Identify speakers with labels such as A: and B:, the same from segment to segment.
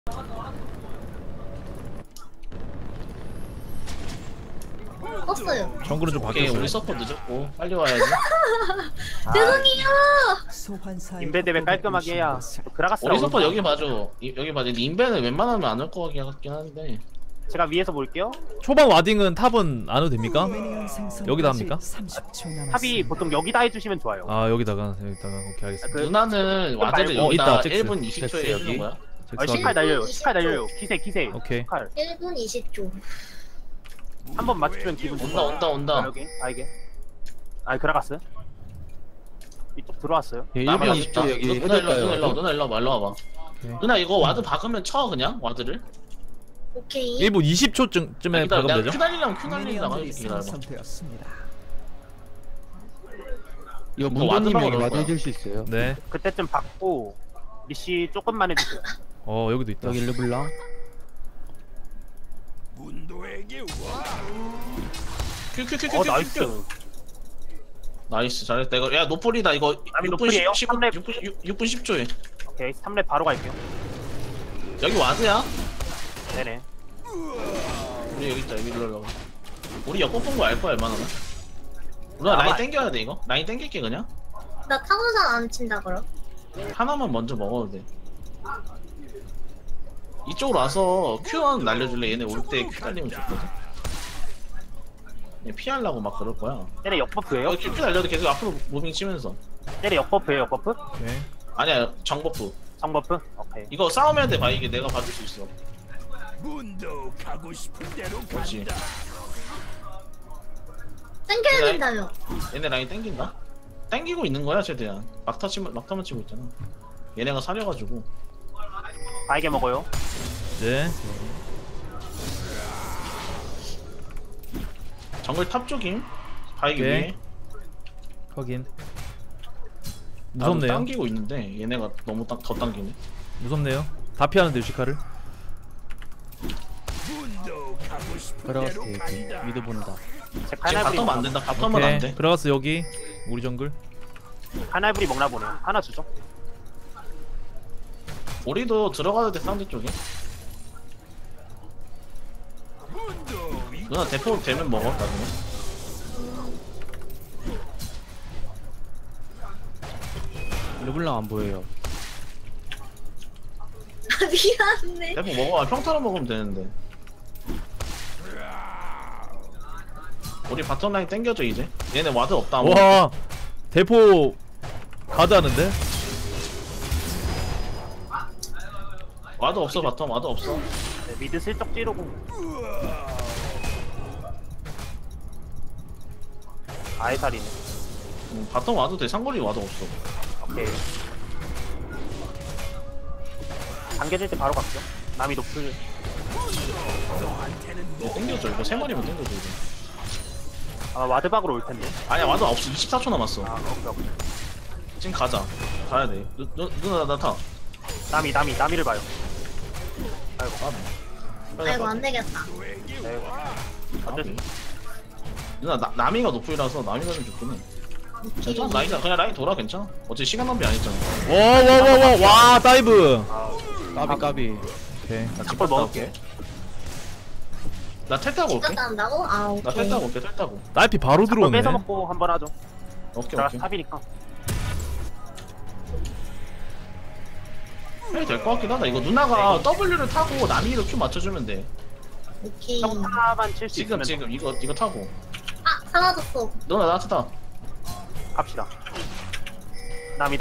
A: 떴어요.
B: 정글은 좀
C: 오케이,
B: 바뀌었어요.
C: 우리 서포 늦었고 빨리 와야지.
A: 죄송해요.
D: 인베 대회 깔끔하게 해야 그라가스
C: 우리 서포 여기 봐줘. 여기 봐줘. 인벤은 웬만하면 안 올 것 같긴 한데.
D: 제가 위에서 볼게요.
B: 초반 와딩은 탑은 안 해도 됩니까? 여기다 합니까?
D: 탑이 보통 여기다 해주시면 좋아요.
B: 아 여기다가 오케이 알겠습니다.
D: 그
C: 누나는 와드를
D: 말고-
C: 여기다
B: 있다, 잭스.
C: 1분 20초에 해주는
B: 여기.
C: 거야.
D: 시칼 날려요. 시칼 날려요. 기세.
B: 오케이.
D: 시칼.
A: 1분 20초.
D: 한 번 맞추면 기분 좋아.
C: 온다.
D: 여기. 이게. 그라가스. 이쪽 들어왔어요.
E: 예,
C: 나만
E: 1분
C: 있다.
E: 20초 여기
C: 누나
E: 해둘까요?
C: 일로 와봐.
B: 오케이.
C: 누나 이거 와드 박으면 쳐 그냥 와드를.
A: 오케이.
B: 1분 20초쯤에
C: 기다려,
B: 박으면
C: 내가
B: 되죠?
C: 큐 날리려고 할게. 기다려봐.
E: 이거
C: 와드
E: 문도님이
C: 박으러
E: 여기
C: 올
E: 와드
C: 거야.
E: 해줄 수 있어요?
B: 네.
D: 그때쯤 받고 리시 조금만 해주세요.
B: 여기도 있다.
E: 여기 르블랑
C: 큐.
D: 나이스.
C: 나이스 잘했다. 이거 야 노폴이다 이거.
D: 아니,
C: 6분
D: 노폴이에요?
C: 10
D: 삼렙.
C: 6분 10초에.
D: 오케이. 3렙 바로 갈게요.
C: 여기 와드야.
D: 네네.
C: 우리 여기 있다. 여기 일로. 우리 옆 뽑은 거 알 거야 얼마나. 누나
D: 아마
C: 라인 땡겨야 돼 이거. 라인 땡길게 그냥.
A: 나 타고산 안 친다 그럼.
C: 하나만 먼저 먹어도 돼. 이쪽으로 와서 Q1 날려줄래? 얘네 올 때 Q 날리면 좋거든. 얘 피하려고 막 그럴 거야.
D: 얘네 역버프예요?
C: 여기 Q 날려도 계속 앞으로 무빙 치면서.
D: 얘네 역버프예요. 역버프?
B: 오케이.
C: 아니야 정버프.
D: 정버프? 오케이.
C: 이거 싸움해야 돼. 봐 이게 내가 봐줄 수 있어.
F: 문도 가고 싶은 대로
C: 그렇지.
A: 땡겨야
C: 그래.
A: 된다며.
C: 얘네 라인 땡긴다? 땡기고 있는 거야 최대한. 막타만 치고 있잖아. 얘네가 사려가지고.
D: 바이게 먹어요.
B: 네.
C: 정글 탑 쪽임. 바이기
B: 오케이.
C: 위에.
B: 확인.
C: 나도
B: 무섭네요.
C: 당기고 있는데 얘네가 너무 더 당기네.
B: 무섭네요. 다 피하는데 유시카를.
F: 문도 가고 싶은
E: 들어갔을
F: 대로
E: 때 여기
F: 간다.
E: 미드 본다.
D: 제
C: 지금
D: 카나브리
C: 바텀 안 된다. 바텀은 안
B: 오케이.
C: 돼.
B: 들어갔어 여기. 우리 정글.
D: 카나브리 먹나 보네요. 하나 주죠.
C: 우리도 들어가도 돼 상대 쪽에.
F: 문도 위
C: 누나 대포 되면 먹어 나중에.
E: 르블랑 안 보여요.
A: 미안해.
C: 대포 먹어. 평타로 먹으면 되는데. 우리 바텀 라인 땡겨줘 이제. 얘네 와드 없다. 아무.
B: 와 대포 가드 하는데?
C: 와드 없어 바텀 와드 없어.
D: 네, 미드 슬쩍 찌르고. 아이살이네.
C: 바텀 와도 돼. 상거리 와드 없어.
D: 오케이. 당겨질 때 바로 갈게요. 남이 높을.
C: 이거 땡겨줘. 이거 세 마리면 땡겨줘 이거.
D: 와드박으로 올 텐데.
C: 아니야 와드 없어. 24초 남았어.
D: 오케이.
C: 지금 가자. 가야 돼. 누나 나 타.
D: 남이를 봐요. 아이고.
A: 아이고 안 되겠다.
D: 네. 어쩔 수.
C: 누나 나미가 노플이라서 나미가 좀 좋긴 해. 괜찮아 라인 그냥 라인 돌아 괜찮아. 어차피 시간 낭비 안 했잖아.
B: 와 다이브.
E: 까비.
B: 오케이.
C: 나
D: 잡골 먹을게.
C: 나텔 타고 올게.
A: 갔다 온다고? 아 오케이.
C: 나 텔 타고 올게. 텔 타고.
B: 딸피 바로
D: 잡골
B: 들어오네.
D: 뺏어 먹고 한번 하죠.
C: 오케이
D: 제가
C: 오케이.
D: 탑이니까.
C: 해도 될 것 같긴 하다. 이거 누나가 W를 타고 나미로 Q 맞춰주면 돼.
A: 오케이.
D: 평타만 칠 수 있으면
C: 지금 이거 타고.
A: 아 사라졌어.
C: 누나 나한테 타.
D: 갑시다. 남이.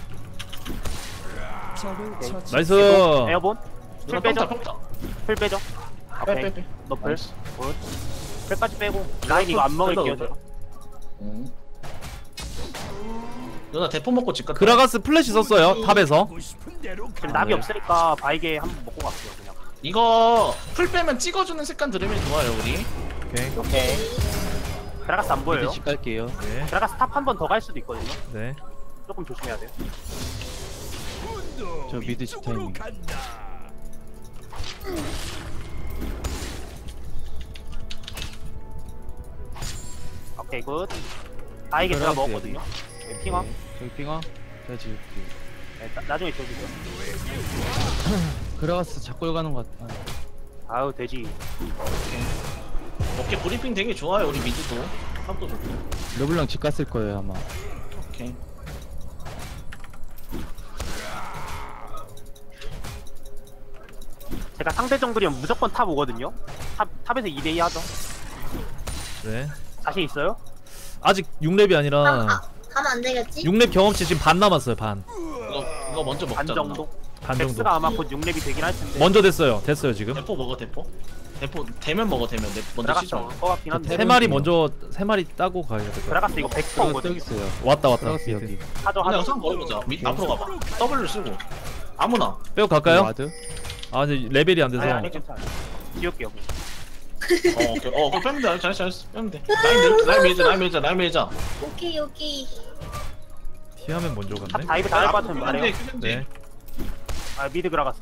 B: 나이스.
D: 에어본?
C: 누나
D: 풀 빼죠.
C: 평타.
D: 풀 빼죠. 오케이.
C: 빼.
D: 너플.
C: 나이스.
D: 굿. 풀까지 빼고. 라인 이거 안 먹을게요.
C: 빼다,
D: 저.
C: 누나 대포 먹고 집 갔다.
B: 그라가스 플래시 썼어요 탑에서.
F: 가고 싶은 대로
D: 지금
F: 간다.
D: 납이 없으니까 바이게 한번 먹고 갈게요. 그냥.
C: 이거 풀 빼면 찍어주는 습관 들으면 좋아요 우리.
B: 오케이.
D: 오케이. 그라가스 안 보여요?
E: 미드 집 갈게요.
B: 네.
D: 그라가스 탑 한 번 더 갈 수도 있거든요.
B: 네.
D: 조금 조심해야 돼요.
F: 문도
E: 저 미드 집
F: 위쪽으로
E: 타이밍.
F: 간다.
D: 오케이 굿. 바이게 제가
E: 그라가스
D: 먹었거든요. 네, 핑화.
E: 저기 핑화. 제가 지울게요.
D: 네, 나중에 줘주세요.
E: 그라가스 자꾸 가는 것 같아.
D: 아우 돼지.
C: 오케이 브리핑 되게 좋아요 우리 미드도. 탑도 좋고.
E: 르블랑 집 갔을 거예요 아마.
C: 오케이.
D: 제가 상대 정글이면 무조건 탑 오거든요. 탑에서 2대2 하죠.
B: 네.
D: 자신 있어요?
B: 아직 6렙이 아니라
A: 가면 안 되겠지?
B: 6렙 경험치 지금 반 남았어요. 반.
C: 이거 먼저 먹자.
D: 반 정도?
B: 반 정도.
D: 덱스가 아마 곧 6렙이 되긴 할 텐데.
B: 먼저 됐어요. 됐어요 지금.
C: 대포 먹어 대포. 대포 되면 먹어 되면 먼저
D: 드라가스
C: 시죠.
D: 올 것 같긴 한데.
B: 세 마리 먼저 세 마리 따고 가야 될 것 같아.
D: 드라가스 이거 100%
E: 그라가스 여기
D: 오거든요.
E: 있어요.
B: 왔다 왔다.
E: 그라가스 여기.
D: 하죠
C: 그냥
D: 하죠.
C: 상 걸어보자. 앞으로 가봐. W 쓰고 아무나.
B: 빼고 갈까요?
E: 와드?
B: 아 근데 레벨이 안 돼서.
D: 아니 괜찮아. 지울게요.
C: 오케이. 그거 빼면 돼. 잘했어. 빼면 돼. 라인 밀자.
A: 오케이.
B: 티하면 먼저
D: 탑
B: 갔네.
D: 다이브 다 할 것 같으면 말해요.
B: 네.
D: 아 미드 드라가스.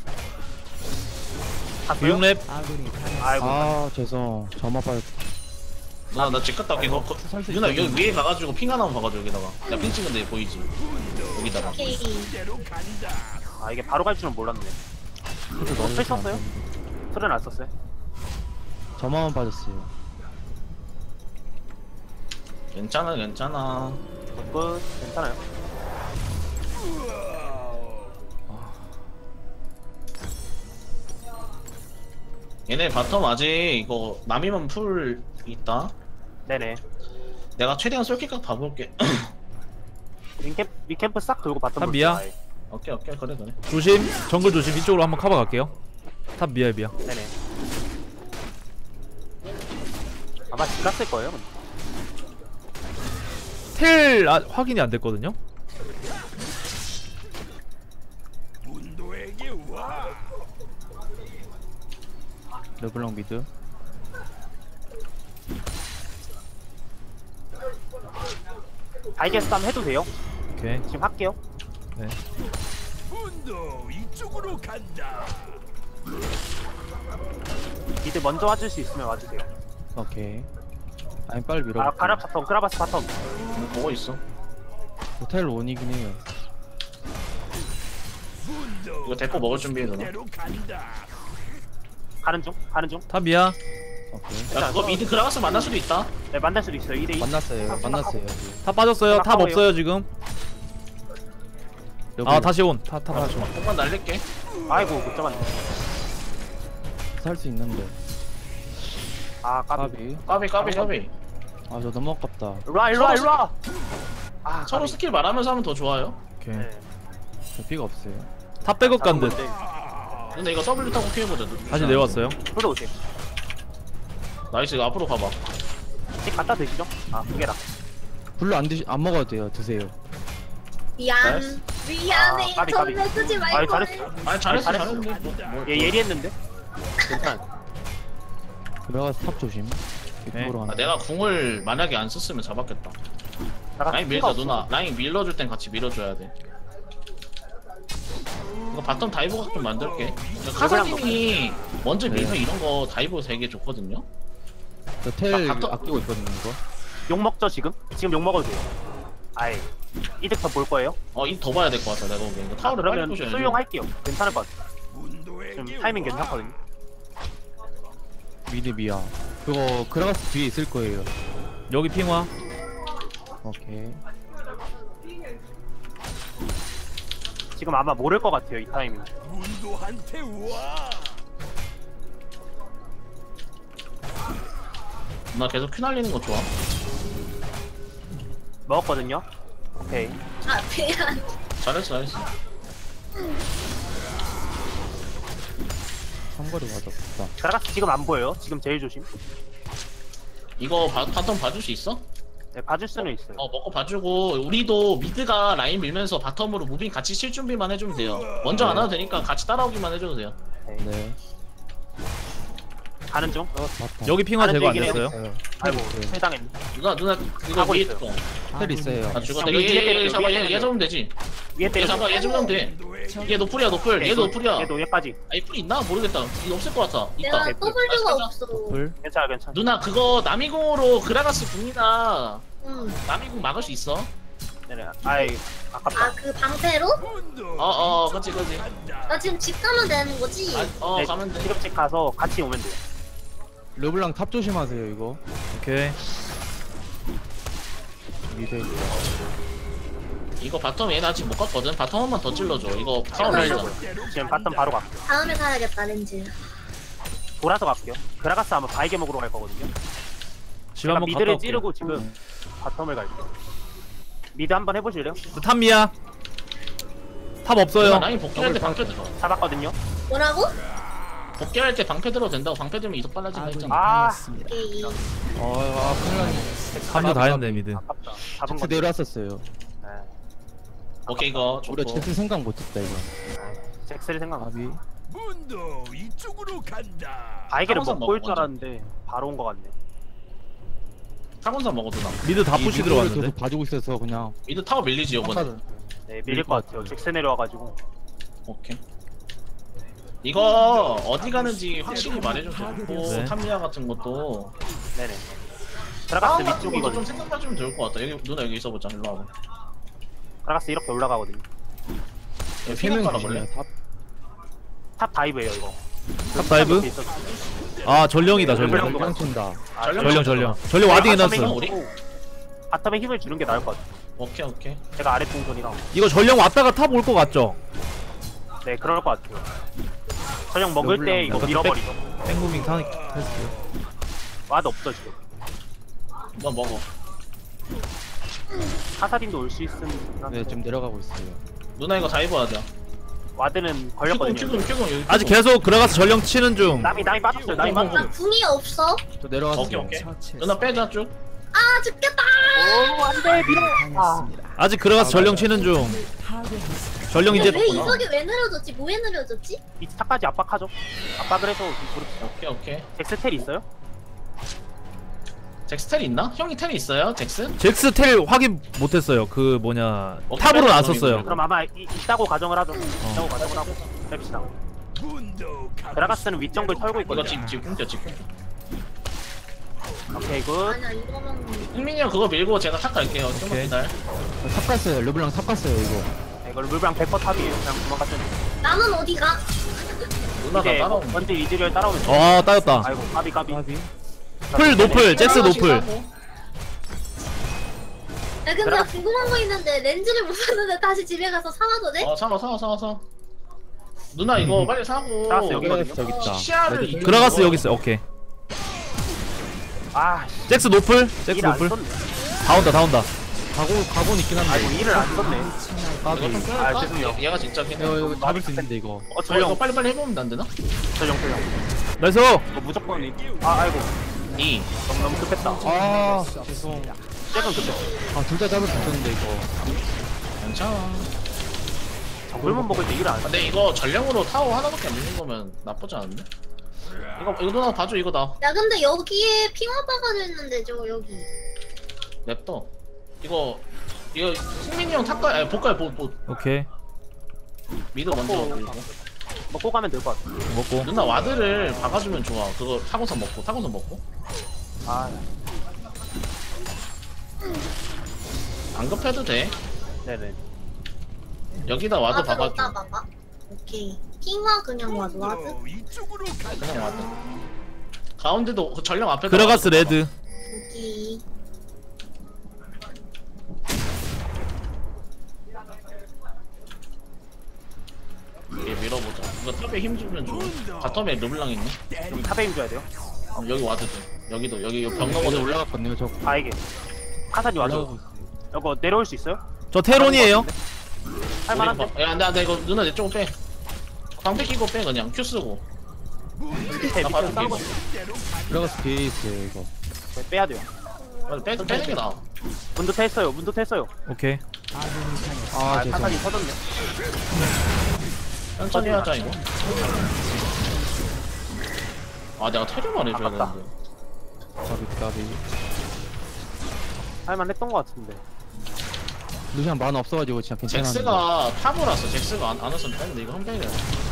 D: 갔어요?
B: 6렙.
D: 아이고.
E: 아 죄송. 저만 빠졌다.
C: 누나 나집 갔다 올게. 누나 여기 위에 가가지고 핑 하나만 봐가지고 여기다가. 나 핑 찍은데 보이지? 여기다가.
A: 오케이.
F: 대로 간다.
D: 아 이게 바로 갈 줄은 몰랐네. 풀 썼어요? 풀은 안 썼어요?
E: 저만 빠졌어요.
C: 괜찮아.
D: 끝. 괜찮아요.
C: 얘네 바텀 아직 이거 남이만 풀 있다.
D: 네네.
C: 내가 최대한 쏠킬각 봐볼게.
D: 리캠프 싹 돌고 바텀
B: 탑 미야?
D: 볼게요,
C: 오케이 그래.
B: 조심. 정글 조심. 이쪽으로 한번 커버 갈게요. 탑 미야.
D: 아예. 네네. 아마 집 갔을 거예요. 근데.
B: 텔 확인이 안 됐거든요.
F: 문도에게 와.
E: 르블랑 미드.
D: 달걀 싸움 해도 돼요?
B: 오케이.
D: 지금 할게요.
B: 네.
F: 문도 이쪽으로 간다.
D: 미드 먼저 와줄 수 있으면 와주세요.
E: 오케이. 아니 빨리 밀어.
D: 아 가라 바텀, 그라바스 바텀.
C: 보고 있어.
E: 호텔 원이긴 해요.
F: 문도
C: 이거 대포 먹을 준비해 누나.
F: 대로 간다.
D: 가는 중.
B: 탑 미야.
E: 오케이.
C: 야 그거 미드 그라가스 만날 수도 있다.
D: 네 만날 수도 있어요. 2대2.
E: 만났어요.
B: 탑 빠졌어요. 탑
D: 가까워요.
B: 없어요 지금. 아 다시 온. 탑 다시 온.
C: 조금만 날릴게.
D: 아이고 못 잡았네.
E: 살수 있는데.
D: 아 까비.
C: 까비.
E: 아 저 너무 아깝다.
D: 일로와. 아
C: 서로
D: 까비.
C: 스킬 말하면서 하면 더 좋아요.
B: 오케이.
D: 네.
E: 저 피가 없어요.
B: 탑 백업 간 듯.
C: 근데 이거 W 타고 피해보자.
B: 다시 내려왔어요.
D: 풀어 오세요.
C: 나이스 이거 앞으로 가봐.
D: 집 갖다 드시죠. 아 그게라.
E: 불로 안 먹어도 돼요. 드세요.
A: 미안해.
D: 아, 까비.
A: 전멸 쓰지 말걸.
D: 아이 잘했어.
C: 아니 잘했어.
D: 얘 예리했는데. 괜찮아.
E: 그라가스 탑 조심.
B: 네.
E: 이쪽으로 가는.
C: 내가 궁을 만약에 안 썼으면 잡았겠다. 라인 밀자 누나. 라인 밀어줄 땐 같이 밀어줘야 돼. 이거 바텀 다이브 각 좀 만들게. 카사딘이 먼저 밀면 이런 거 다이브 되게 좋거든요.
E: 저텔
C: 바텀-
E: 아끼고 있거든요 이거.
D: 욕 먹죠 지금? 지금 욕 먹어도 돼요. 아이 이득 더 볼 거예요?
C: 이 더 봐야 될 것 같아 내가 보기엔. 이거 타워를 빨리
D: 그러면
C: 부셔야지.
D: 수용할게요. 괜찮을 것 같아.
F: 문도에게
D: 지금 타이밍
F: 와.
D: 괜찮거든요.
E: 미드 미야. 그거 그라가스 뒤에 있을 거예요.
B: 여기 핑화.
E: 오케이.
D: 지금 아마 모를 것 같아요 이 타이밍.
F: 문도한테 와.
C: 나 계속 큐 날리는 거 좋아.
D: 먹었거든요. 오케이.
A: 아 미안.
C: 잘했어.
E: 삼거리 맞았다.
D: 그라가스 지금 안 보여요. 지금 제일 조심.
C: 이거 바텀 봐줄 수 있어?
D: 네, 봐줄 수는 있어요.
C: 먹고 봐주고 우리도 미드가 라인 밀면서 바텀으로 무빙 같이 칠 준비만 해주면 돼요. 먼저 안 와도 되니까 같이 따라오기만 해줘도 돼요.
E: 네.
D: 가는 중.
E: 그라가스 맞다.
B: 여기 핑화 제거 안
D: 얘기네요.
B: 됐어요.
D: 아이고
E: 네.
D: 세상에.
C: 누나 이거
D: 하고
C: 위에
D: 있어요.
C: 거.
E: 텔 있어요.
C: 아 죽었다.
D: 위에 때려요,
C: 얘 잡아.
D: 위에
C: 얘
D: 때려요.
C: 잡으면 되지.
D: 위에
C: 얘
D: 때려.
C: 잡아. 얘 잡으면 돼.
F: 문도에게
C: 얘 노플이야 노플. 얘도 노플이야.
D: 얘도 얘까지.
C: 아니 풀 있나 모르겠다. 이거 없을 것 같아.
A: 내가
C: 있다.
A: W가
C: 가자.
A: 없어.
E: 불.
D: 괜찮아.
C: 누나 그거 남이공으로 그라가스 궁이나
A: 응.
C: 남이공 막을 수 있어.
D: 네네. 아이 아깝다.
A: 아 그 방패로?
F: 문도
C: 그치.
F: 간다.
A: 나 지금 집 가면 되는 거지?
C: 네, 가면 돼.
D: 지금 집 가서 같이 오면 돼요.
E: 르블랑 탑 조심하세요 이거.
B: 오케이.
E: 미드.
C: 이거 바텀 얘는 아직 못 갔거든. 바텀 한 번 더 찔러줘. 이거 파워 날리잖아.
D: 지금 바텀 바로 갈게요.
A: 다음에 사야겠다 렌즈.
D: 돌아서 갈게요. 그라가스 아마 바이게 먹으러 갈 거거든요.
B: 집
D: 제가
B: 한번 갔다
D: 미드를
B: 올게요.
D: 찌르고 지금 바텀을 갈게요. 미드 한번 해보실래요?
B: 탑미야. 탑 없어요.
C: 라인 복귀할 때 방패 들어.
D: 잡았거든요.
A: 뭐라고?
C: 복귀할 때 방패 들어도 된다고. 방패 들면 이속 빨라진다 했잖아.
D: 아,
A: 오케이.
E: 큰일 났네.
B: 한조 다 했네 미드.
D: 아깝다. 잡은
E: 잭스
D: 거.
E: 내려왔었어요.
D: 네.
C: 오케이 이거 좋고.
E: 우리가 잭스 생각 못했다 이거.
D: 잭스를 생각.
E: 아비.
F: 문도 이쪽으로 간다.
D: 바이게를
C: 타고선
D: 먹고 올 줄
C: 먹어,
D: 알았는데 바로 온 거 같네.
C: 타곤사 먹어도 나.
B: 미드 다
E: 이
B: 푸시
E: 미드를
B: 들어왔는데.
E: 계속 봐주고 있어서 그냥.
C: 미드 타워 밀리지 이번에.
D: 네, 밀릴 것 같아요. 잭스 내려와가지고.
C: 오케이. 이거 어디 가는지 확실히 말해줘도 좋고
B: 네.
C: 탐리아 같은 것도
D: 네네.
C: 싸움
D: 그라가스
C: 같은 것도
D: 위쪽이거든.
C: 좀 생각해주면 좋을 것 같다. 여기 누나 여기 있어보자. 일로 와봐.
D: 그라가스 이렇게 올라가거든요.
C: 여기
E: 세명
C: 피가 빨아볼래?
E: 조심해요. 탑.
D: 탑 다이브예요 이거.
B: 탑 다이브?
D: 있었어.
B: 아 전령이다 전령.
D: 전령.
E: 전령 친다.
D: 아,
B: 전령 와딩
D: 바텀에
B: 해놨어.
C: 우리?
D: 바텀에 힘을 주는 게 나을 것 같아요.
C: 오케이.
D: 제가 아래 동선이라.
B: 이거 전령 왔다가 탑 올 것 같죠?
D: 네, 그럴 것 같아요. 전령 먹을 때 이거
B: 약간
D: 밀어버리죠.
B: 땡무빙 테스트.
D: 와드 없어 지금.
C: 너 먹어.
D: 카사딘도 올 수 있으면.
E: 네, 좀 내려가고 있어요.
C: 누나 이거 다이브 하자.
D: 와드는 걸렸거든요.
C: 큐금 여기.
B: 아직 계속 들어가서 전령 치는 중.
D: 남이 빠졌어요. 남이
C: 어,
D: 빠졌어요.
A: 나 궁이 없어.
E: 저 내려갔어요.
C: 오케이. 누나 빼자 쭉.
A: 아 죽겠다.
D: 오, 안돼 밀어. 아,
B: 아직 들어가서 전령 치는 중. 전령 이제
A: 왜 이석이 왜 느려졌지? 뭐에 느려졌지?
D: 이 차까지 압박하죠. 압박을 해서 그렇죠.
C: 오케이.
D: 잭스 텔 있어요?
C: 잭스 텔 있나? 형이 텔이 있어요? 잭스?
B: 잭스 텔 확인 못했어요. 그 뭐냐
C: 어,
B: 탑으로 안
C: 빼자,
B: 썼어요.
D: 그럼 아마 있다고 가정을 하죠. 있다고 가정을 하고 뺍시다.
F: 문도
D: 그라가스는 윗정글 털고
C: 이거
D: 있거든요.
C: 지금 끊겨.
D: 오케이 굿.
A: 아니야 이거만.
C: 흥민이 형 그거 밀고 제가 탑 갈게요. 좀만
B: 오케이.
C: 기다려.
E: 탑 갔어요. 르블랑 탑 갔어요 이거.
D: 이걸 물방 100% 탑이에요. 그냥 도망갔더니
A: 나는 어디가?
C: 누나 나
D: 이제
C: 따라오면
D: 먼저 이즈리얼 따라오면 돼요.
B: 아 따였다.
D: 아이고 까비.
E: 아비.
B: 풀 노플 잭스 노플.
A: 야 근데 나 궁금한 거 있는데 렌즈를 못 샀는데 다시 집에 가서 사와도 돼?
C: 사. 누나 이거 빨리 사고.
D: 사왔어, 여기
E: 그라가스 저기 있다.
C: 시야를 이-
B: 그라가스 여기 있어. 오케이.
D: 아,
B: 잭스 노플. 잭스
D: 일안
B: 노플.
D: 썼네.
B: 다 온다.
E: 가곤 있긴 한데.
D: 아이고 일을 안 썼네.
E: 까비.
C: 이거 좀
D: 아,
C: 끊을까?
D: 죄송해요.
C: 얘가 진짜
E: 이거 잡을 수 있는데 이거.
C: 이거
D: 전령
C: 빨리 해보면 안 되나?
D: 전령.
B: 나이스.
D: 이거 무조건 아이고
C: 2.
D: 너무 급했다.
E: 아 죄송.
D: 잭은 급했어.
E: 둘 다 잡을 수 있었는데 이거.
C: 괜찮아.
D: 정글만 먹을 때 일을 안 써.
C: 근데 이거 전령으로 타워 하나밖에 안 되는 거면 나쁘지 않은데? 이거 누나 봐줘 이거 나.
A: 야 근데 여기에 핑화 박아져 있는데 저 여기.
C: 냅둬. 이거 승민이 형 탑가 아니 볼까요?
B: 오케이.
C: 미드 먼저 올리고.
D: 먹고 가면 될 것 같아.
B: 먹고.
C: 누나 와드를 박아주면 좋아. 그거 타고선 먹고.
D: 아,
C: 안 급해도 돼.
D: 네네.
C: 여기다 와드
A: 어디다
C: 박아줘.
A: 봐봐. 오케이. 핑화 그냥 와도 와드.
F: 문도 이쪽으로 간다.
C: 그냥 와드. 가운데도 그 전령 앞에
B: 그라가스 레드.
A: 오케이.
C: 얘 밀어보자. 이거 탑에 힘 주면 좋아. 바텀에 르블랑 있네.
D: 여기 탑에 힘줘야 돼요.
C: 여기 와드도. 여기 벽
E: 어디
C: 넘어서
E: 올라갔거든요. 저
D: 바이게. 카사딘 와줘.
E: 올라가고 있어요.
D: 이거 내려올 수 있어요?
B: 저 테론이에요.
D: 할만한데?
C: 야, 안돼 이거 누나 내 쪽으로 빼. 방패 끼고 빼 그냥 큐 쓰고.
D: 밑에
C: 나 바로
D: 싸우고
C: 끼고.
E: 들어가서 뒤에 있어요 이거.
D: 빼야 돼요.
C: 빼는 게 나아.
D: 문도 tes어요.
B: 오케이.
E: 아 죄송.
D: 카사딘 터졌네.
C: 천천히 하자 이거. 아 내가 테르만 해줘야
D: 아깝다.
C: 되는데.
E: 까비.
D: 할만했던 것 같은데.
E: 루시안 만화 없어가지고 진짜 괜찮았는데.
C: 잭스가 탑을 왔어. 잭스가 안 왔으면 빼는데 이거 한 빼야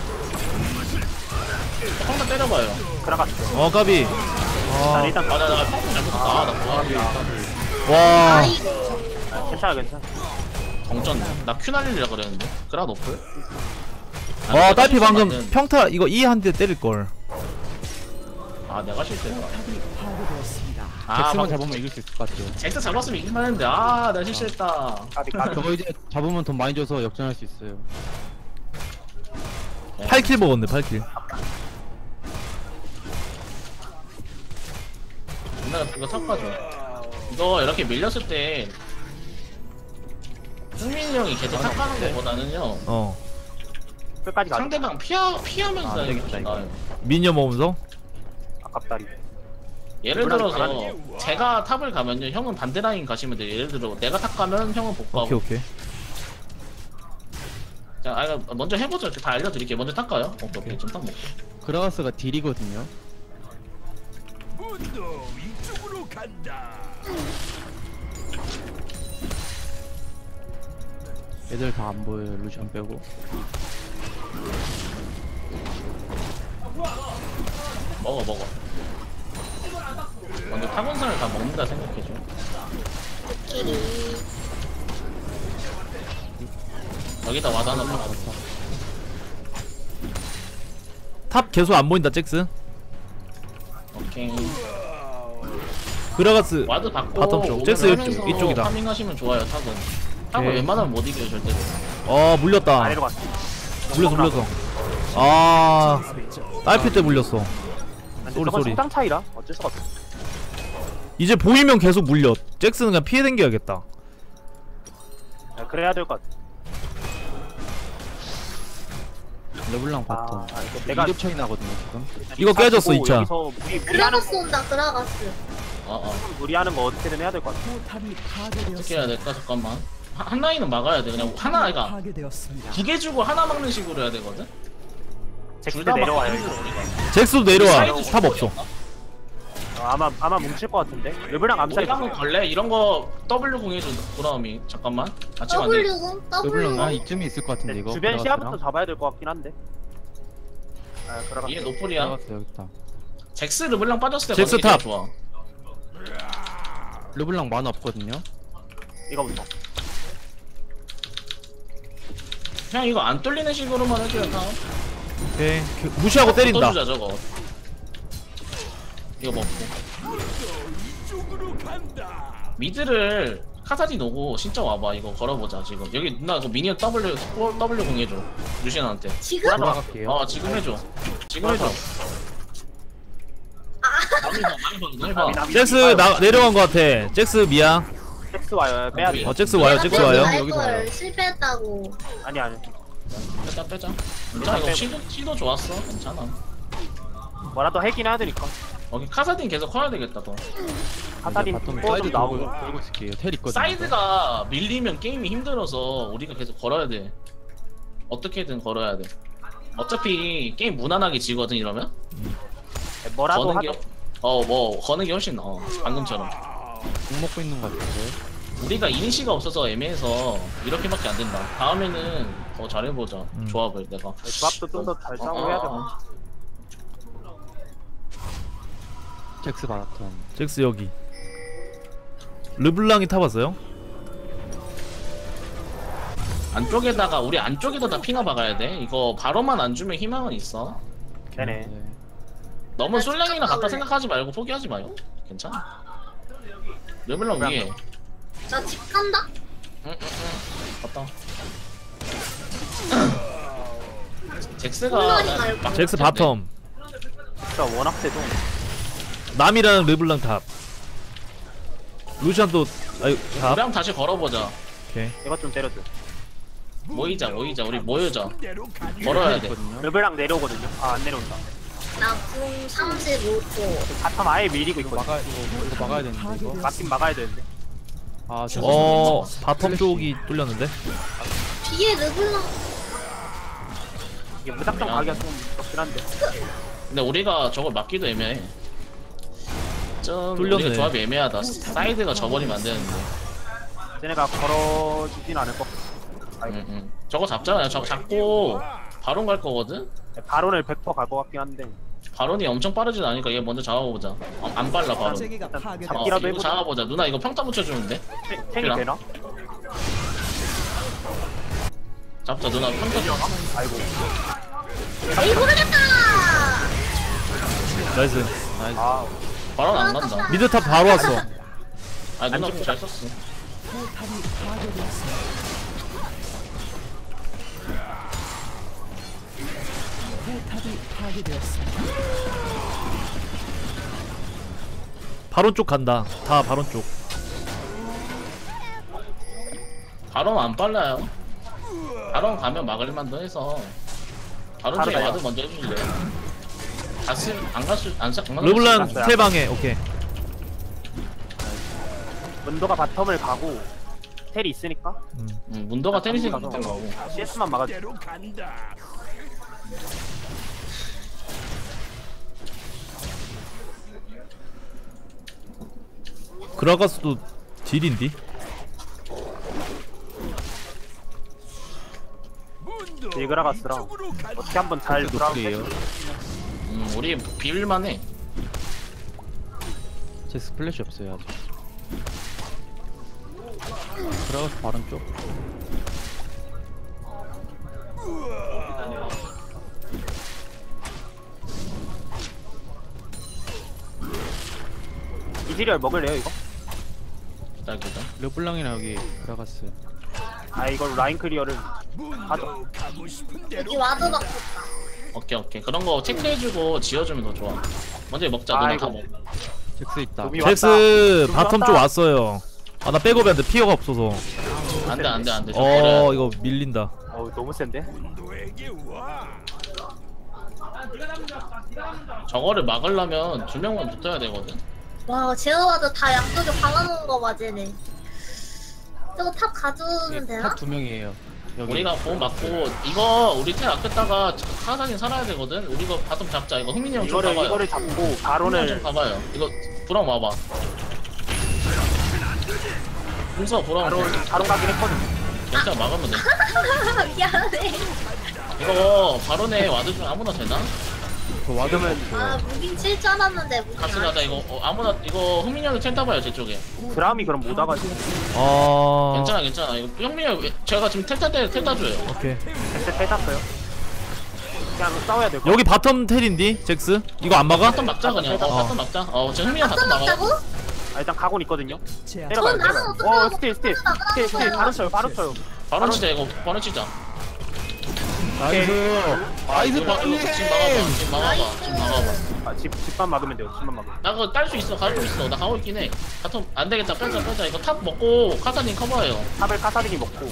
C: 한번 때려봐요.
D: 그라가스.
B: 까비.
D: 자, 일단
C: 나 팝은 잘못했다. 나 뭐야.
B: 와.
A: 아이고.
D: 괜찮아.
C: 동전 나 큐 날리려 그랬는데 그라 노플?
B: 와 딸피 방금
C: 맞는-
B: 평타 이거 E 한 대 때릴걸.
C: 아 내가 실수했다
E: 잭스만
C: 막
E: 잡으면 이길 수 있을 것 같아요.
C: 잭스 잡았으면 이길만 했는데 아 내가 실수했다.
D: 까비 까비.
E: 저거 이제 잡으면 돈 많이 줘서 역전할 수 있어요.
B: 8킬 먹었네 8킬.
C: 옛날에 이거 탑가죠. 이거 이렇게 밀렸을 때 승민이 형이 계속 탑가는 것보다는요
B: 어
D: 끝까지 가자.
C: 상대방 피하면서
E: 안
C: 다니는 게
E: 되겠다,
C: 나아요.
B: 미녀 모으면서.
D: 아깝다리.
C: 예를
D: 물론
C: 들어서 제가 탑을 가면요 형은 반대 라인 가시면 돼요. 예를 들어 내가 탑 가면 형은 복구하고.
B: 오케이.
C: 자, 먼저 해보죠. 다 알려드릴게요. 먼저 탑 가요. 오케이 좀 탑 먹고.
E: 그라가스가 딜이거든요.
F: 문도 이쪽으로 간다.
E: 애들 다 안 보여요. 루시안 빼고.
C: 먹어. 먼저 타곤산을 다 먹는다 생각해줘. 여기다 와드 하나 박아.
B: 탑 계속 안 보인다 잭스.
C: 오케이.
B: 그라가스.
C: 와드 받고
B: 바텀 쪽.
C: 오늘
B: 잭스
C: 하면서
B: 이쪽이다.
C: 파밍하시면 좋아요. 탑은. 탑은
B: 오케이.
C: 웬만하면 못 이겨요 절대로.
B: 물렸다.
D: 아래로 갔어.
B: 물렸어. 아 딸피 때 물렸어. 쏘리,
D: 저건
B: 쏘리.
D: 식당 차이라 어쩔 수가 없어.
B: 이제 보이면 계속 물려. 잭스는 그냥 피해 댕겨야겠다.
D: 아, 그래야 될 것 같아.
E: 르블랑
D: 아,
E: 바텀.
D: 이거 내가
E: 2렙 차이 나거든요 지금.
B: 이거 깨졌어,
D: 가지고
B: 2차.
D: 여기서 무리하는
A: 그라가스 온다 그라가스.
D: 무리하는 거 어떻게든 해야 될 것 같아.
C: 어떻게 해야 될까? 잠깐만. 한 라인은 막아야 돼. 그냥 하나가 두 개 주고 하나 막는 식으로 해야 되거든.
D: 잭스
C: 둘다
D: 내려와요 이거.
B: 잭스도 내려와.
C: 사이드
B: 탑 없어.
D: 아마 뭉칠 것 같은데. 르블랑 암살.
C: 우리가 한번 걸래? 이런 거 W 공해줘. 보라음이 잠깐만. 같이 만들.
A: W
E: 르블랑
A: W.
E: 이쯤에 있을 것 같은데 이거.
D: 주변
E: 그라가스랑.
D: 시야부터 잡아야 될 것 같긴 한데. 아, 그러가.
C: 이게 노플이야.
E: 그라가스 여기 있다.
C: 잭스 르블랑 빠졌을 때
B: 잭스
C: 거는 게
B: 탑.
C: 좋아.
E: 르블랑 만화 없거든요.
D: 이거부터.
C: 그냥 이거 안 뚫리는 식으로만 해줘야 다.
B: 오케이. 무시하고 때린다.
C: 뚫어주자 저거. 이거 먹고.
F: 이쪽으로 간다.
C: 미드를 카사딘 오고 진짜 와봐. 이거 걸어보자 지금. 여기 누나 그 미니언 W 공해줘. 루시안한테.
A: 지금?
E: 들어갈게요.
C: 지금 해줘. 지금 해줘. 많이 봐.
B: 잭스 내려간 것 같아. 잭스 미야.
D: 잭스 와요. 빼야 돼.
B: 잭스 와요. 잭스 와요.
E: 여기서 와요.
A: 걸 실패했다고.
D: 아니.
C: 빼자. 괜찮아. 이거 시도 좋았어. 괜찮아.
D: 뭐라도 해긴 해야 되니까.
C: 여기 카사딘 계속 커야 되겠다 더.
D: 카타린
E: 바텀
D: 포
E: 사이드
D: 좀 나오고.
E: 돌고 있을게요. 텔 있거든요.
C: 사이드가 밀리면 게임이 힘들어서 우리가 계속 걸어야 돼. 어떻게든 걸어야 돼. 어차피 게임 무난하게 지거든 이러면.
D: 뭐라도
C: 거는 게
D: 하죠.
C: 뭐 거는 게 훨씬 나아. 방금처럼.
E: 공 먹고 있는 것 같은데.
C: 우리가 이니시가 없어서 애매해서 이렇게밖에 안 된다. 다음에는 더 잘해보자. 조합을 내가.
D: 조합도 좀 더 잘 짜고 해야 돼.
E: 잭스 바텀.
B: 잭스 여기. 르블랑이 타봤어요?
C: 안쪽에다가 우리 안쪽에다 핑하 박아야 돼. 이거 바로만 안 주면 희망은 있어.
D: 네네.
C: 너무 솔랭이랑 같다 생각하지 말고 포기하지 마요. 괜찮아. 르블랑 위에.
A: 나 집 간다.
C: 갔다. 잭스가
A: 혼나지 말고.
B: 잭스 바텀.
D: 진짜 워낙 세도.
B: 남이랑 르블랑 탑. 루시안 아유 탑.
C: 우리 한번 다시 걸어보자.
B: 오케이.
D: 이것 좀 때려줘.
C: 모이자. 우리 모여자.
F: 대로 간다.
C: 걸어야 돼.
D: 르블랑 내려오거든요. 아, 안 내려온다.
A: 나궁 35초.
D: 바텀 아예 밀리고 있거든.
E: 이거 막아야 되는데 이거.
D: 막긴 막아야 되는데.
E: 아
B: 바텀 쪽이 뚫렸는데.
A: 뒤에 르블랑.
D: 이게 무작정 가기가 좀 그렇긴 한데.
C: 근데 우리가 저걸 막기도 애매해. 좀
B: 뚫렸네.
C: 우리가 조합이 애매하다. 사이드가 져버리면 안 되는데.
D: 쟤네가 걸어주진 않을 것 같아.
C: 저거 잡잖아요. 저거 잡고 바론 갈 거거든?
D: 바론을 100% 갈 것 같긴 한데.
C: 바론이 엄청 빠르진 않으니까 얘 먼저 잡아보자. 안 빨라 바론.
D: 일단
C: 어,
D: 잡기라도
C: 이거
D: 해보자.
C: 잡아보자. 누나 이거 평타 붙여주는데?
D: 탱이 되나?
C: 잡자 누나 평타 좀.
D: 아이고.
A: 에이 고르겠다.
B: 나이스.
D: 아,
C: 바로 안 간다.
B: 미드탑 바로 왔어.
C: 아 누나 잘 썼어.
B: 바론 쪽 간다. 다 바론 쪽.
C: 바로 안 빨라요. 바로 가면 막을 만도 해서. 바로 쪽에
D: 바로
C: 와드 먼저 해주실래? 갔을 안 갔을 안
B: 르블랑
D: 갔어요.
B: 텔방에 오케이.
D: 문도가 바텀을 가고 텔이 있으니까
C: 문도가 테니스 같은 거고.
D: CS만 막아줘.
F: 대로 간다.
B: 그라가스도 딜인디?
F: 문도
D: 딜그라가스랑
F: 이쪽으로 간다.
D: 어떻게 한번 잘 돌아오세요.
C: 우리 비빌만해.
E: 잭스 플래시 없어요 아직. 들어가서 바른 쪽.
D: 이즈리얼 먹을래요 이거?
C: 기다려.
E: 르블랑이나 여기 들어갔어요.
D: 아 이걸 라인 클리어를
F: 문도 가고 싶은 대로.
A: 여기 와드 받고
C: 오케이 그런 거 체크해주고 지어주면 더 좋아. 먼저 먹자 누나 다
D: 아이고.
C: 먹.
E: 잭스 있다.
D: 도미 왔다.
B: 잭스
D: 좀
B: 바텀
D: 왔다.
B: 쪽 왔어요. 아 나 백업이한테 피어가 없어서.
C: 안돼.
B: 이거 밀린다.
D: 너무 센데?
F: 문도에게 와.
C: 저거를 막으려면 2명만 붙어야 되거든.
A: 와 제어 와드 다 양쪽에 박아놓은 거 맞으네. 저거 탑 가져오면 되나?
E: 탑 2명이에요. 여기.
C: 우리가 보험 맞고 이거 우리 텔 아꼈다가 카사딘 살아야 되거든. 우리 이거 바텀 잡자. 이거 흥민이 형 좀 봐봐요.
D: 이거를 잡고
C: 흥민이 형좀
D: 바론을
C: 봐봐요. 이거 브라운 와봐. 공서 브라운
D: 바론 가긴 했거든.
C: 괜찮아 막으면 돼.
A: 미안해.
C: 이거 바론에 와드 중 아무나 되나?
E: 그 와드면
A: 아 무빙 칠 줄 알았는데 무빙
C: 같이
A: 안
C: 가자.
A: 쳤어.
C: 이거 아무나 이거 흥민이 형이 텔 타봐요 제 쪽에.
D: 드라움이 그럼 못 와가지고
C: 괜찮아. 이거 흥민이 형 제가 지금 텔 타줘요.
B: 오케이.
D: 엑스 텔 탔어요. 그냥 싸워야 될 거.
B: 여기 바텀 텔인디 잭스? 이거 안 막아?
C: 바텀 막자 그냥.
B: 어.
C: 바텀 막자. 지금 흥민이 형 바텀
A: 바텀
C: 막아.
A: 막자고?
D: 아, 일단 가곤 있거든요.
A: 전
D: 때려봐요.
A: 나는
D: 때려봐요.
A: 어떻게 하고
D: 스틸. 바로 쳐요.
C: 바로 치자 이거. 바로 치자.
E: 나이스. 나이스
C: 이거
E: 빨리.
C: 지금 막아봐.
D: 아, 집만 막으면 돼요. 집만 막으면.
C: 나 그거 딸 수 있어. 가고 있어. 나 가고 있긴 해. 바텀 안 되겠다. 빼자. 이거 탑 먹고 카사딘 커버해요.
D: 탑을 카사딘이 먹고.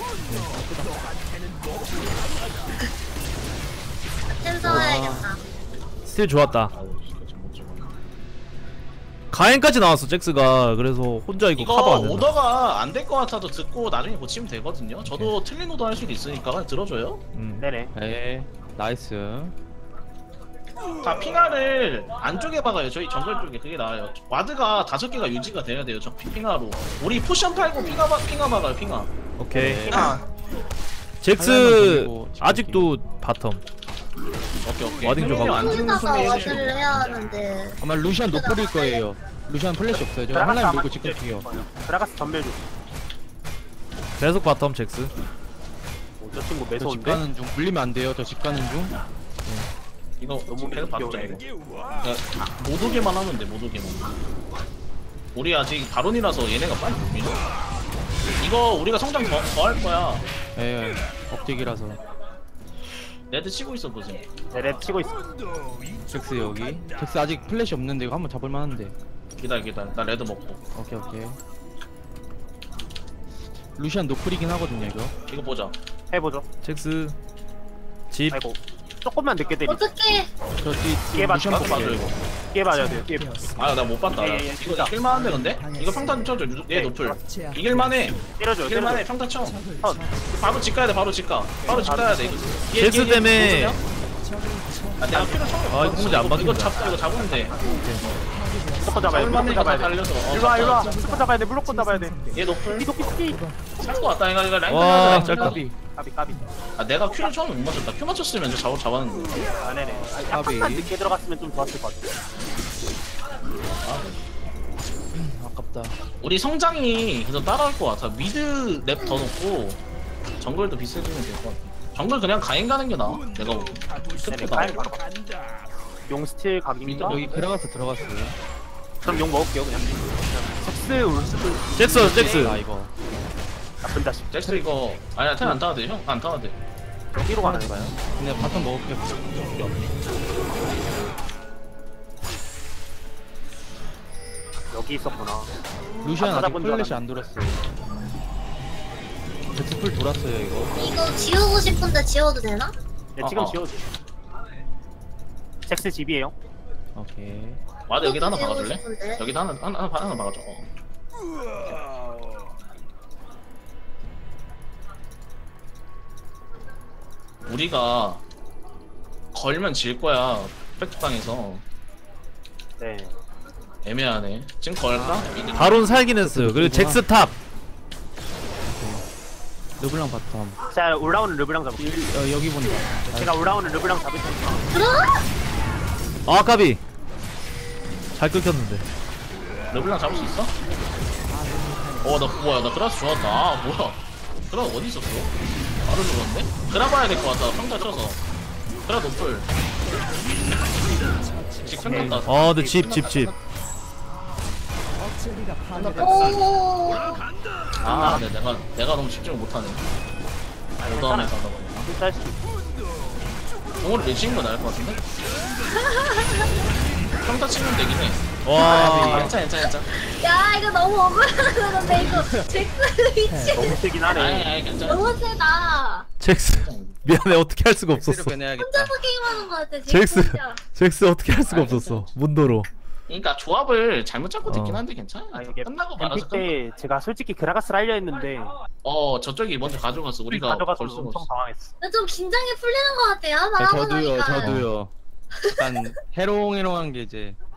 A: 템 사와야겠다.
B: 스틸 좋았다. 가엔까지 나왔어 잭스가. 그래서 혼자 이거 커버
C: 이거
B: 안 된다.
C: 오더가 안 될 것 같아도 듣고 나중에 고치면 되거든요. 저도 틀린 오더 할 수도 있으니까 그냥 들어줘요.
D: 네네.
E: 네. 나이스.
C: 자 핑하를 안쪽에 박아요. 저희 정글 쪽에 그게 나아요. 와드가 5개가 유지가 돼야 돼요. 저 핑하로. 우리 포션 팔고 핑하 박아요. 핑하.
B: 오케이.
C: 핑하.
B: 잭스
E: 하나만
B: 아직도 바텀.
C: 오케이.
B: 와딩 좀 하고.
C: 안 죽는
A: 여기다가
C: 순위
A: 와드를 해야 하는데
E: 아마 루시안 노플일 거예요. 루시안 플래시 없어요. 저 한라인 밀고 직접 튀겨.
D: 드라가스 전멸 중.
B: 계속 바텀 잭스.
D: 저 친구
E: 저 집
D: 매서운데?
E: 가는 중 물리면 안 돼요. 저 집 가는 중.
C: 이거
D: 너무
C: 계속 박자 이거.
F: 문도에게 와.
C: 못 오게만 하면 돼. 못 오게만. 우리 아직 바론이라서 얘네가 빨리 못 밀어. 이거 우리가 성장 더 할 거야.
E: 예. 억제기라서.
C: 레드 치고 있어 보지.
D: 네네 치고 있어.
F: 문도
E: 잭스
F: 이쪽으로
E: 여기.
F: 간다.
E: 잭스 아직 플래시 없는데 이거 한번 잡을 만한데.
C: 기다려. 나 레드 먹고.
E: 오케이. 루시안 노플이긴 하거든요 이거.
C: 이거 보자.
D: 해보죠.
B: 잭스 집.
D: 아이고. 조금만 늦게 때리.
A: 어떻게
E: 저 뒤
D: 이게 맞-
E: 루시안
C: 나도 봐줘
E: 볼게요.
C: 이거.
D: 끼에 맞아야 돼요. 끼에.
C: 아 나 못 봤다.
D: 예, 예,
C: 이거 이길만한데 근데? 이거 평타 좀 쳐줘. 얘 노플. 이길만해.
D: 때려줘요.
C: 이길만해. 평타 쳐. 바로 집 가야 돼. 바로 집 가야 돼.
B: 잭스 때문에.
C: 아 내가 피를 처음에
B: 아, 이거 공지 안
C: 이거
B: 박힌다.
C: 이거 잡으면 돼.
D: 무조건 잡아야 돼. 무조건
C: 얼마나
D: 잡아야 돼.
C: 달려서.
D: 일로와. 무조건 잡아야 돼. 무조건 잡아야 돼.
C: 얘 노플.
D: 끼.
C: 살것 같다. 이거 라인
B: 와,
C: 끝나자.
B: 짤까비.
D: 까비.
C: 아 내가 큐를 처음에 못 맞췄다. 큐 맞췄으면 저 잡았는데.
D: 아, 네네.
E: 까비.
D: 약간만 늦게 들어갔으면 좀 좋았을 것 같아.
E: 아깝다.
C: 우리 성장이 그래서 따라올 것 같아. 미드 랩 더 넣고 정글도 비슷해지면 될 것 같아. 정글 그냥 가인 가는 게 나아. 내가 보기.
F: 가고 싶은
C: 스프다.
D: 가인
F: 대로
D: 바로
F: 간다.
D: 용 스틸 각입니다.
E: 여기 그라가스 들어갔어요.
D: 그럼 용 먹을게요 그냥. 잭스 울스도
B: 잭스.
E: 아 이거.
D: 나쁜 자식.
C: 잭스 이거 아니야 텔 안 타도 돼 형. 안 타도 돼.
D: 여기로 가는 거야.
E: 그냥 바텀 먹을게요.
D: 여기 있었구나.
E: 루시안 아직
D: 찾아본 줄
E: 플래시 안 돌았어요. 제트풀 돌았어요 이거.
A: 이거 지우고 싶은데 지워도 되나?
D: 네, 지금
C: 어.
D: 지워도 돼. 잭스 집이에요.
E: 오케이.
C: 와드 여기다 하나
A: 지우고
C: 박아줄래?
A: 싶은데.
C: 여기다 하나 박아줘. 우리가 걸면 질 거야. 백두방에서
D: 네.
C: 애매하네. 지금 걸까?
B: 바론 살긴 했어요. 그리고 잭스 탑.
E: 르블랑 바텀.
D: 자 올라오는 르브랑 잡을게요.
E: 여기 본다.
D: 제가 올라오는 르브랑 잡을 테니까.
B: 아 까비. 잘 끊겼는데.
C: 르블랑 잡을 수 있어? 나 뭐야 나 그라스 좋았다. 아 뭐야 그라스 어디 있었어? 바로 죽었네? 그라 봐야 될 것 같다. 평타 쳐서 그라 노플 집 끝났다.
B: 근데 집.
A: 오.
C: 아 네, 내가 너무 집중을 못하네. 다음에 가다 보니까
D: 쌀 수도 있고.
C: 공을 내치는 거 나을 것 같은데? 평타 치면 되긴 해.
B: 와.
C: 괜찮아.
A: 야 이거 너무 억울한데 이거 잭스 위치
D: 너무 세긴 하네.
C: 아니 괜찮아.
A: 너무 세다.
B: 잭스. 미안해 어떻게 할 수가 없었어.
E: 빼내야겠다.
A: 혼자서 게임하는 거 같아.
B: 잭스.
A: 진짜.
B: 잭스 어떻게 할 수가 없었어. 문도로.
C: 그러니까 조합을 잘못 잡고 됐긴
B: 어.
C: 한데 괜찮아.
D: 아 이게
C: 끝나고 말아서
D: 뱀픽 때 제가 솔직히 그라가스를 하려 했는데
C: 저쪽이 먼저 가져갔어. 우리가
D: 가져가서
C: 걸 수가
D: 엄청
C: 없어.
D: 당황했어.
A: 근데 좀 긴장이 풀리는 것 같아요.
E: 네,
A: 말하고 나니까.
E: 저도요. 약간 해롱해롱한 게 이제